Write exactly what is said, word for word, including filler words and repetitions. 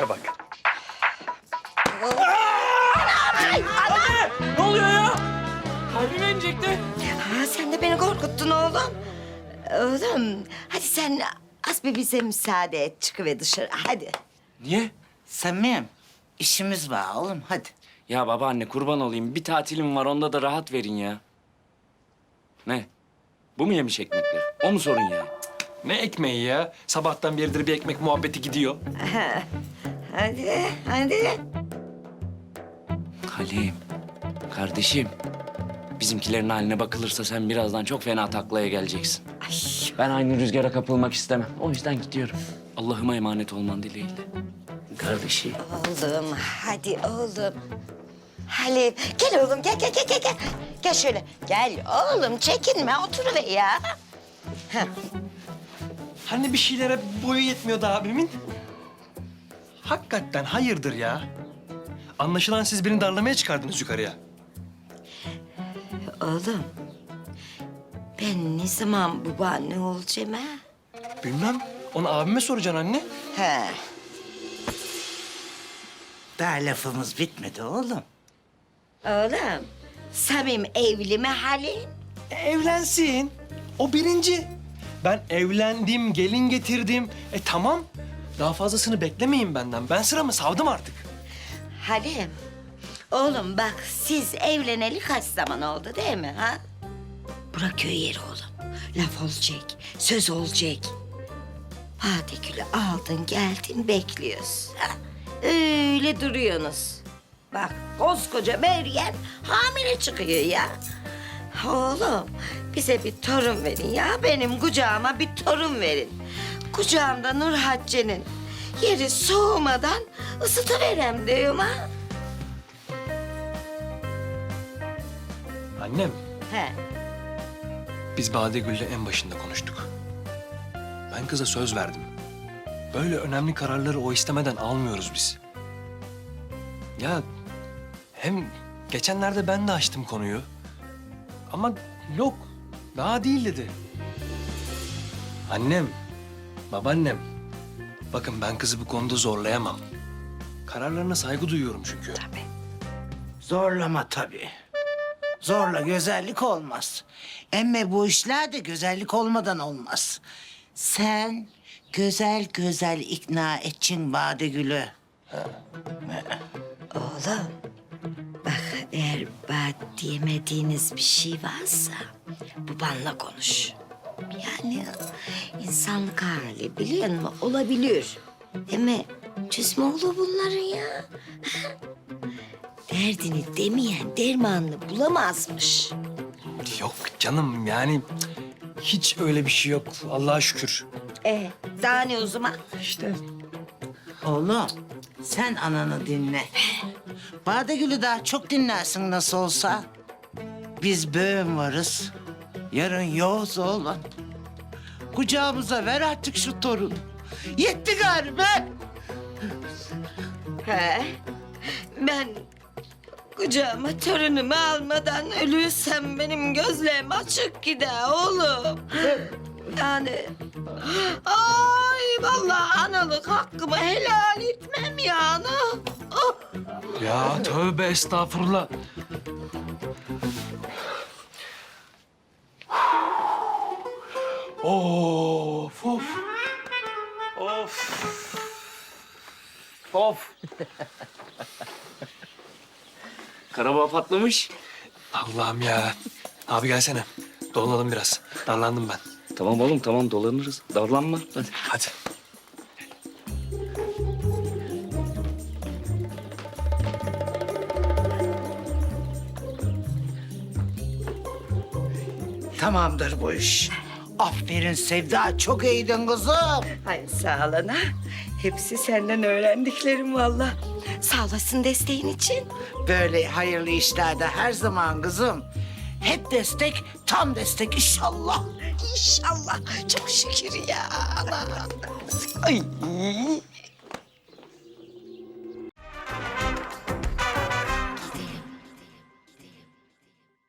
tipe bak. Ne oluyor ya? Kalbime inecekti. Ha, sen de beni korkuttun oğlum. Oğlum hadi sen az bir bize müsaade et. Çıkıver dışarı hadi. Niye? Samim, işimiz var oğlum hadi. Ya babaanne kurban olayım. Bir tatilim var onda da rahat verin ya. Ne? Bu mu yemiş ekmekler? O mu sorun ya? Ne ekmeği ya? Sabahtan beridir bir ekmek muhabbeti gidiyor. Hadi hadi. Halim, kardeşim. Bizimkilerin haline bakılırsa sen birazdan çok fena taklaya geleceksin. Ay, Ben aynı rüzgara kapılmak istemem. O yüzden gidiyorum. Allah'ıma emanet olman dileğiyle. Kardeşim. oğlum hadi oğlum. Halim gel oğlum gel gel gel gel. Gel, gel şöyle gel oğlum çekinme oturuver ya. Heh. Hani bir şeylere boyu yetmiyordu abimin? Hakikaten hayırdır ya? Anlaşılan siz birini darlamaya çıkardınız yukarıya. Oğlum ben ne zaman babaanne olacağım ha? Bilmem. Onu abime soracaksın anne. He. Daha lafımız bitmedi oğlum. Oğlum Samim evli mi Halim? E, evlensin. O birinci. Ben evlendim, gelin getirdim. E tamam. Daha fazlasını beklemeyin benden. Ben sıramı savdım artık. Halim, oğlum bak siz evleneli kaç zaman oldu değil mi ha? Bırak köy yeri oğlum. Laf olacak, söz olacak. Badegül'ü aldın geldin bekliyoruz. Ha? Öyle duruyorsunuz. Bak koskoca Meryem hamile çıkıyor ya. Oğlum bize bir torun verin ya. Benim kucağıma bir torun verin. Kucağımda Nur Hatice'nin yeri soğumadan ısıtıverem diyorum ha. Annem, He. biz Badegül'le en başında konuştuk. Ben kıza söz verdim. Böyle önemli kararları o istemeden almıyoruz biz. Ya hem geçenlerde ben de açtım konuyu. Ama yok, daha değil dedi. Annem, babaannem. Bakın ben kızı bu konuda zorlayamam. Kararlarına saygı duyuyorum çünkü. Zorlama tabii. Zorla güzellik olmaz. Emme bu işler de güzellik olmadan olmaz. Sen güzel güzel ikna edeceksin Badegül'ü. Oğlum bak eğer bad diyemediğiniz bir şey varsa babanla konuş. Yani insanlık hali biliyor musun? Olabilir. Ama çözümü olur bunların ya. Derdini demeyen dermanını bulamazmış. Yok canım yani hiç öyle bir şey yok Allah'a şükür. E daha ne o zaman? İşte Oğlum sen ananı dinle. Badegül'ü daha çok dinlersin nasıl olsa. Biz böğüm varız. Yarın yoğuz oğlum. Kucağımıza ver artık şu torunu. Yetti galiba. He. Ben kucağıma torunumu almadan ölürsem benim gözlerim açık gider oğlum. Yani ay vallahi analık hakkımı helal etmem yani. Oh. ya tövbe estağfurullah. Of of. Of. Of. Karabağ patlamış. Allah'ım ya. Abi gelsene. Dolanalım biraz. Darlandım ben. Tamam oğlum tamam dolanırız. Darlanma. Hadi. Hadi. Tamamdır bu iş. Aferin Sevda, çok iyiydin kızım. Ay sağ olun ha. Hepsi senden öğrendiklerim vallahi. Sağ olasın desteğin için. Böyle hayırlı işlerde her zaman kızım. Hep destek, tam destek inşallah. İnşallah. Çok şükür ya. Ana. Ay.